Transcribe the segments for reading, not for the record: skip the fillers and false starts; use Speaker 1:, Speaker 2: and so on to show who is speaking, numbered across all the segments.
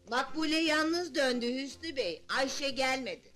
Speaker 1: Makbule yalnız döndü Hüsnü Bey, Ayşe gelmedi.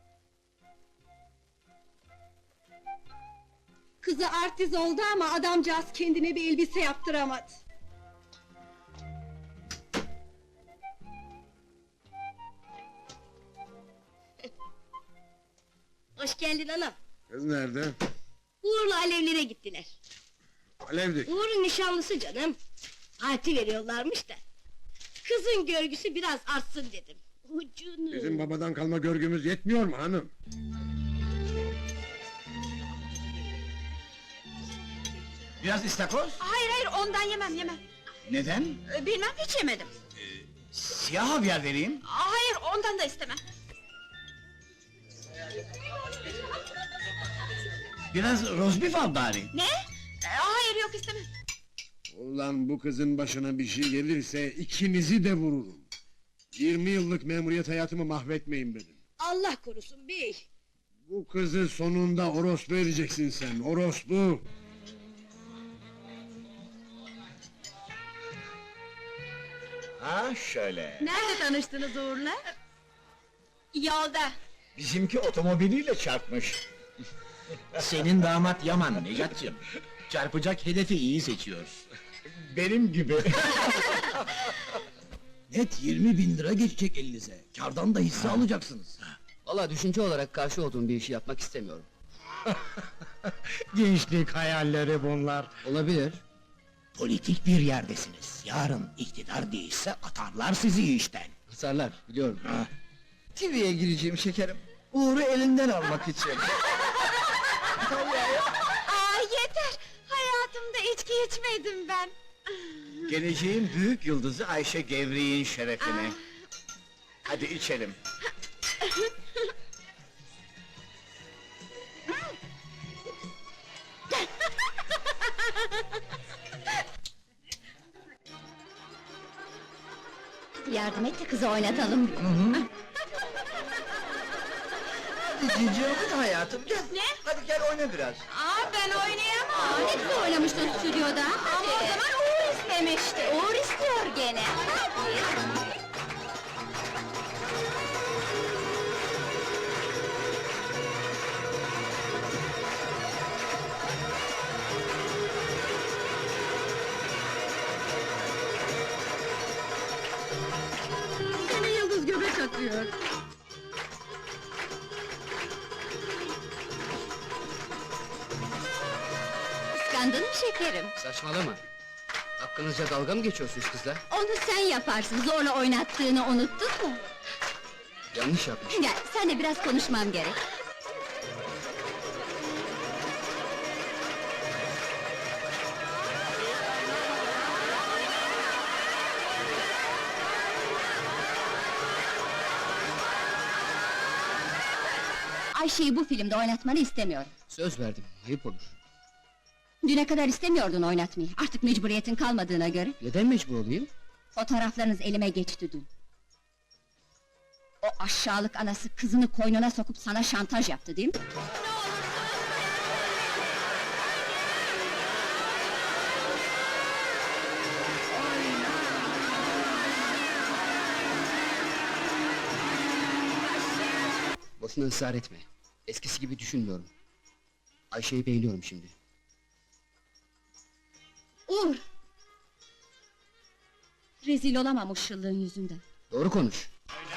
Speaker 2: Kızı artiz oldu ama adamcağız kendine bir elbise yaptıramadı.
Speaker 3: Hoş geldin anam.
Speaker 4: Kız nerede?
Speaker 3: Uğur'la Alevlere gittiler.
Speaker 4: Alevdik.
Speaker 3: Uğur'un nişanlısı canım. Parti veriyorlarmış da. Kızın görgüsü biraz artsın dedim. Ucunu.
Speaker 4: Bizim babadan kalma görgümüz yetmiyor mu hanım?
Speaker 5: Biraz istakoz?
Speaker 2: Hayır hayır, ondan yemem.
Speaker 5: Neden?
Speaker 2: Bilmem, hiç yemedim.
Speaker 5: Siyah havyar vereyim.
Speaker 2: Hayır, ondan da istemem.
Speaker 5: Biraz rozbif al bari.
Speaker 2: Ne? Hayır, yok istemem.
Speaker 4: Ulan bu kızın başına bir şey gelirse ikinizi de vururum. 20 yıllık memuriyet hayatımı mahvetmeyin benim.
Speaker 3: Allah korusun bey.
Speaker 4: Bu kızı sonunda orospu edeceksin sen, orospu!
Speaker 5: Ha şöyle.
Speaker 2: Nerede tanıştınız Uğur'la? Yolda.
Speaker 5: Bizimki otomobiliyle çarpmış. Senin damat Yaman Necatcığım. Çarpacak hedefi iyi seçiyor. Benim gibi.
Speaker 6: Net 20.000 lira geçecek elinize. Kardan da hisse alacaksınız.
Speaker 7: Valla düşünce olarak karşı olduğum bir işi yapmak istemiyorum.
Speaker 5: Gençlik hayalleri bunlar.
Speaker 7: Olabilir.
Speaker 6: Politik bir yerdesiniz. Yarın iktidar değişse atarlar sizi işten.
Speaker 7: Hasarlar, biliyorum.
Speaker 6: TV'ye gireceğim şekerim. Uğur'u elinden almak için.
Speaker 2: Aa yeter! Hayatımda içki içmedim ben.
Speaker 5: Geleceğin büyük yıldızı Ayşe Gevri'nin şerefine. Hadi içelim.
Speaker 3: Yardım et de kızı oynatalım.
Speaker 6: Cici oyun hayatım gel.
Speaker 2: Ne?
Speaker 6: Hadi gel oyna biraz.
Speaker 2: Aa ben oynayamam.
Speaker 3: Ne güzel oynamıştın stüdyoda.
Speaker 2: Ama o zaman Uğur istemişti.
Speaker 3: Uğur istiyor gene. Hadi.
Speaker 2: Seni yıldız göbek atıyor.
Speaker 3: Kıskandın mı şekerim?
Speaker 7: Saçmalama. Hakkınızca dalga mı geçiyorsunuz kızla?
Speaker 3: Onu sen yaparsın, zorla oynattığını unuttun mu?
Speaker 7: Yanlış yapmış.
Speaker 3: Gel, seninle biraz konuşmam gerek. Ayşe'yi bu filmde oynatmanı istemiyorum.
Speaker 7: Söz verdim, ayıp olur.
Speaker 3: Düne kadar istemiyordun oynatmayı, artık mecburiyetin kalmadığına göre.
Speaker 7: Neden mecbur olayım?
Speaker 3: Fotoğraflarınız elime geçti dün. O aşağılık anası kızını koynuna sokup sana şantaj yaptı değil mi?
Speaker 7: Boşuna ısrar etme. Eskisi gibi düşünmüyorum. Ayşe'yi beğeniyorum şimdi.
Speaker 3: Uğur! Rezil olamam o şıllığın yüzünden.
Speaker 7: Doğru konuş.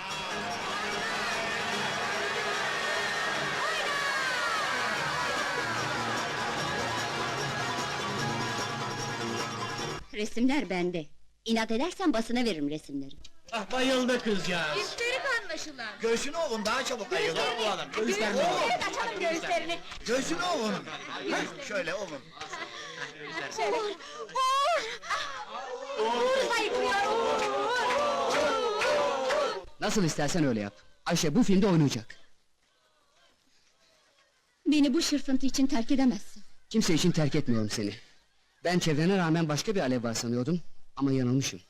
Speaker 3: Resimler bende. İnat edersen basına veririm resimleri.
Speaker 5: Ah bayıldı kızcağız.
Speaker 2: Üstelik anlaşılan.
Speaker 6: Göğsünü ovun daha çabuk ayılır bu adam. Göğüslerini ovun.
Speaker 2: Evet, açalım göğüslerini.
Speaker 6: Göğsünü ovun. Şöyle ovun.
Speaker 2: Uğur! Uğur sayıklıyor, Uğur!
Speaker 7: Nasıl istersen öyle yap. Ayşe bu filmde oynayacak.
Speaker 3: Beni bu şırfıntı için terk edemezsin.
Speaker 7: Kimse için terk etmiyorum seni. Ben çevrene rağmen başka bir alev var sanıyordum. Ama yanılmışım.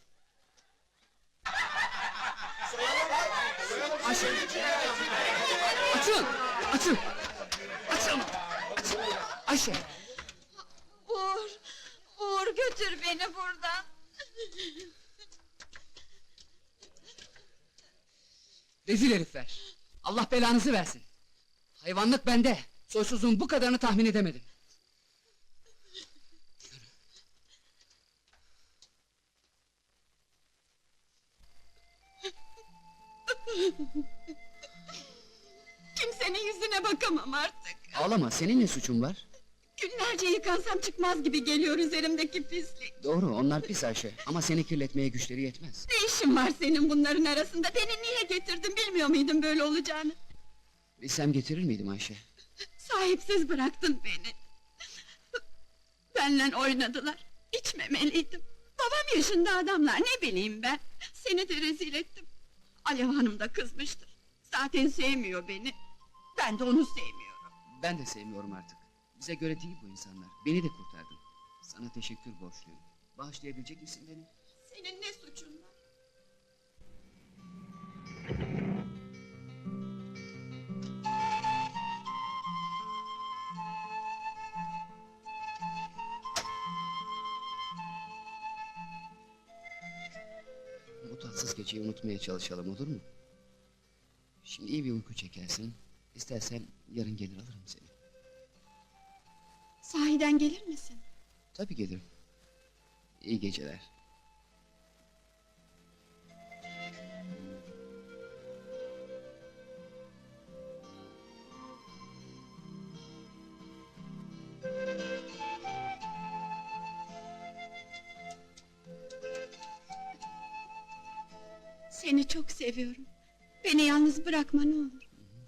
Speaker 7: Ayşe! Açın! Açın! Açın! Açın! Ayşe!
Speaker 2: Uğur! Uğur götür beni buradan!
Speaker 7: Rezil herifler! Allah belanızı versin! Hayvanlık bende! Soysuzluğun bu kadarını tahmin edemedim.
Speaker 2: Kimsenin yüzüne bakamam artık.
Speaker 7: Ağlama, senin ne suçun var?
Speaker 2: Günlerce yıkansam çıkmaz gibi geliyor üzerimdeki pislik.
Speaker 7: Doğru, onlar pis Ayşe, ama seni kirletmeye güçleri yetmez.
Speaker 2: Ne işin var senin bunların arasında? Beni niye getirdin, bilmiyor muydun böyle olacağını?
Speaker 7: Bilsem getirir miydim Ayşe?
Speaker 2: Sahipsiz bıraktın beni. Benle oynadılar. İçmemeliydim. Babam yaşında adamlar, ne bileyim ben. Seni de rezil ettim. Alev Hanım da kızmıştır. Zaten sevmiyor beni. Ben de onu sevmiyorum.
Speaker 7: Ben de sevmiyorum artık. Bize göre değil bu insanlar, beni de kurtardın. Sana teşekkür borçluyum. Bağışlayabilecek misin beni?
Speaker 2: Senin ne suçun var?
Speaker 7: Bu tatsız geceyi unutmaya çalışalım, olur mu? Şimdi iyi bir uyku çekersin. İstersen yarın gelir alırım seni.
Speaker 2: Sahiden gelir misin?
Speaker 7: Tabii gelirim. İyi geceler.
Speaker 2: Seni çok seviyorum. Beni yalnız bırakma ne olur.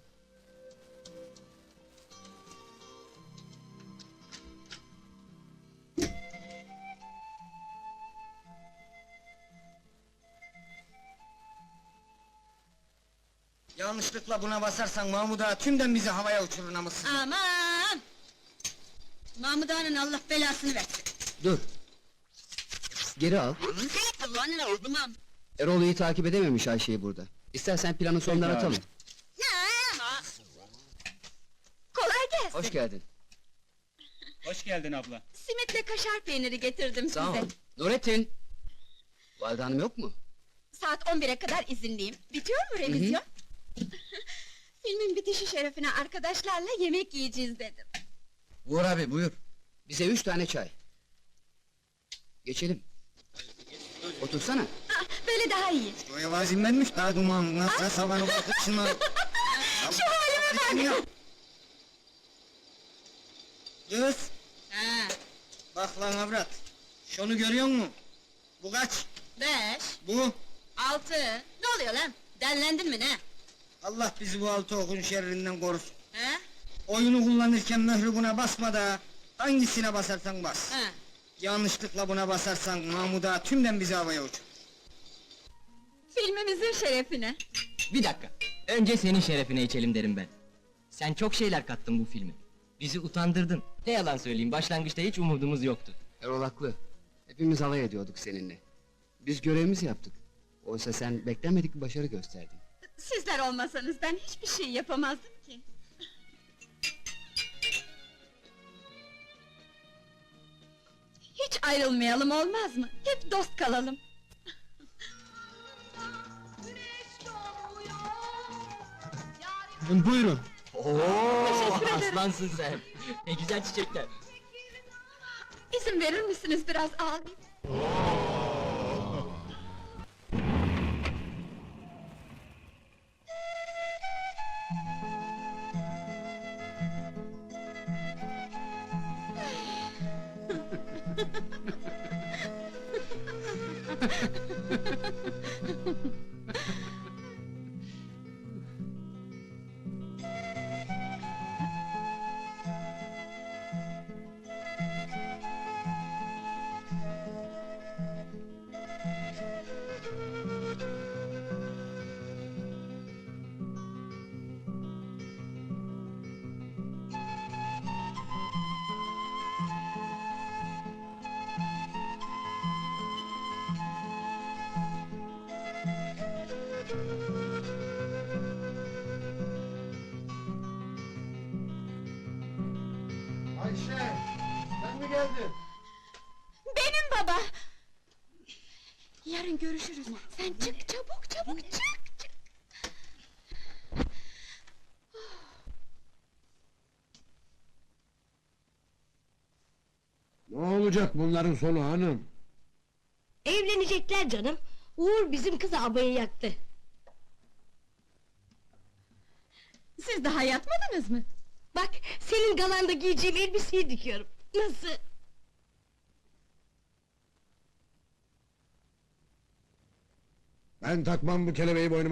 Speaker 6: Yanlışlıkla buna basarsan Mahmud Ağa tümden bizi havaya uçurur namussuz.
Speaker 3: Aman! Mahmud Ağa'nın Allah belasını versin.
Speaker 7: Dur! Geri al. Erol iyi takip edememiş Ayşe'yi burada. İstersen planı sondan
Speaker 5: Peki abi.
Speaker 7: atalım.
Speaker 2: Kolay gelsin.
Speaker 7: Hoş geldin.
Speaker 5: Hoş geldin abla.
Speaker 2: Simitle kaşar peyniri getirdim
Speaker 7: Sağ ol.
Speaker 2: size.
Speaker 7: Nurettin! Valide Hanım yok mu?
Speaker 2: Saat 11'e kadar izinliyim. Bitiyor mu revizyon? Filmin bitişi şerefine arkadaşlarla yemek yiyeceğiz dedim.
Speaker 6: Uğur abi buyur.
Speaker 7: Bize 3 tane çay. Geçelim. Otursana.
Speaker 2: Ah, böyle daha iyi.
Speaker 6: O evazinlenmiş daha duman. Nasıl savanı bakıp şuna.
Speaker 2: Şu halime bak!
Speaker 6: Kız
Speaker 3: Ha,
Speaker 6: bak lan avrat. Şunu görüyor musun? Bu kaç?
Speaker 3: 5,
Speaker 6: Bu.
Speaker 3: 6. Ne oluyor lan? Dellendin mi ne?
Speaker 6: Allah bizi bu altı okun şerrinden korusun.
Speaker 3: He?
Speaker 6: Oyunu kullanırken mührü buna basma da hangisine basarsan bas.
Speaker 3: Ha.
Speaker 6: Yanlışlıkla buna basarsan Mahmud Ağa tümden bizi havaya uçur.
Speaker 2: Filmimizin şerefine.
Speaker 8: Bir dakika. Önce senin şerefine içelim derim ben. Sen çok şeyler kattın bu filme. Bizi utandırdın. Ne yalan söyleyeyim, başlangıçta hiç umudumuz yoktu.
Speaker 7: Erol haklı. Hepimiz alay ediyorduk seninle. Biz görevimizi yaptık. Oysa sen beklenmedik bir başarı gösterdin.
Speaker 2: Sizler olmasanız ben hiçbir şey yapamazdım ki. Hiç ayrılmayalım olmaz mı? Hep dost kalalım.
Speaker 6: Buyurun.
Speaker 8: Oo,
Speaker 2: Teşekkür ederim.
Speaker 8: aslansın sen. Ne güzel çiçekler.
Speaker 2: İzin verir misiniz biraz ağlayayım?
Speaker 4: Ayşe! Sen mi geldin?
Speaker 2: Benim baba! Yarın görüşürüz. Sen çık çabuk çabuk çık çık.
Speaker 4: olacak bunların sonu hanım?
Speaker 9: Evlenecekler canım. Uğur bizim kızı abayı yaktı.
Speaker 2: Siz daha yatmadınız mı?
Speaker 9: Bak, senin galanda giyeceğim elbiseyi dikiyorum. Nasıl?
Speaker 4: Ben takmam bu kelebeği boynuma.